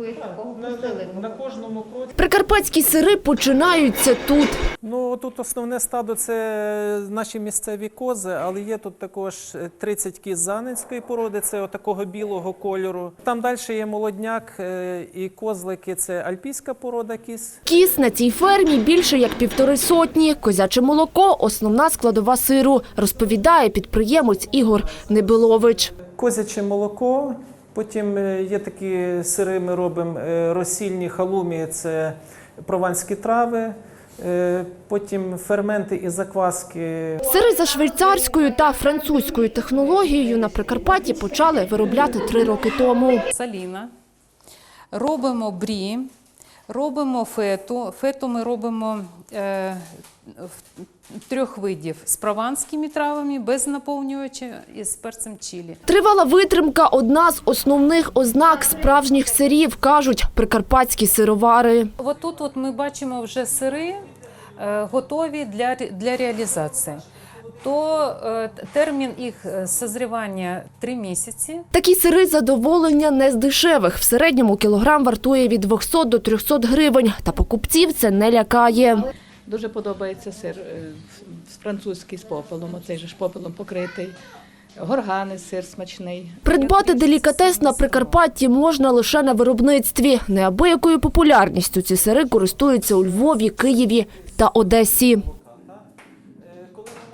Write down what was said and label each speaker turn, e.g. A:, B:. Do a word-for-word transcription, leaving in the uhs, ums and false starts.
A: якогось такого посиленого?
B: На кожному кроці.
C: Прикарпатські сири починаються тут.
B: Ну, тут основне стадо – це наші місцеві кози, але є тут також тридцять кіз занинської породи, це отакого білого кольору. Там далі є молодняк е, і козлики – це альпійська порода кіз.
C: Кіз на цій фермі більше як півтори сотні. Козяче молоко – основна складова сиру, розповідає підприємець Ігор Небилович.
B: Козяче молоко, потім є такі сири, ми робимо розсільні халумі, це прованські трави, потім ферменти і закваски.
C: Сири за швейцарською та французькою технологією на Прикарпатті почали виробляти три роки тому.
D: Саліна, робимо брі, робимо фету. Фету ми робимо е, трьох видів з прованськими травами, без наповнювача і з перцем чилі.
C: Тривала витримка – одна з основних ознак справжніх сирів, кажуть прикарпатські сировари.
D: Ось тут от ми бачимо вже сири е, готові для, для реалізації. То е, термін їх созрівання – три місяці.
C: Такі сири задоволення не з дешевих. В середньому кілограм вартує від двохсот до трьохсот гривень. Та покупців це не лякає.
E: Дуже подобається сир французький з попелом, оцей же ж попелом покритий. Горгани, сир смачний.
C: Придбати делікатес на Прикарпатті можна лише на виробництві. Неабиякою популярністю ці сири користуються у Львові, Києві та Одесі.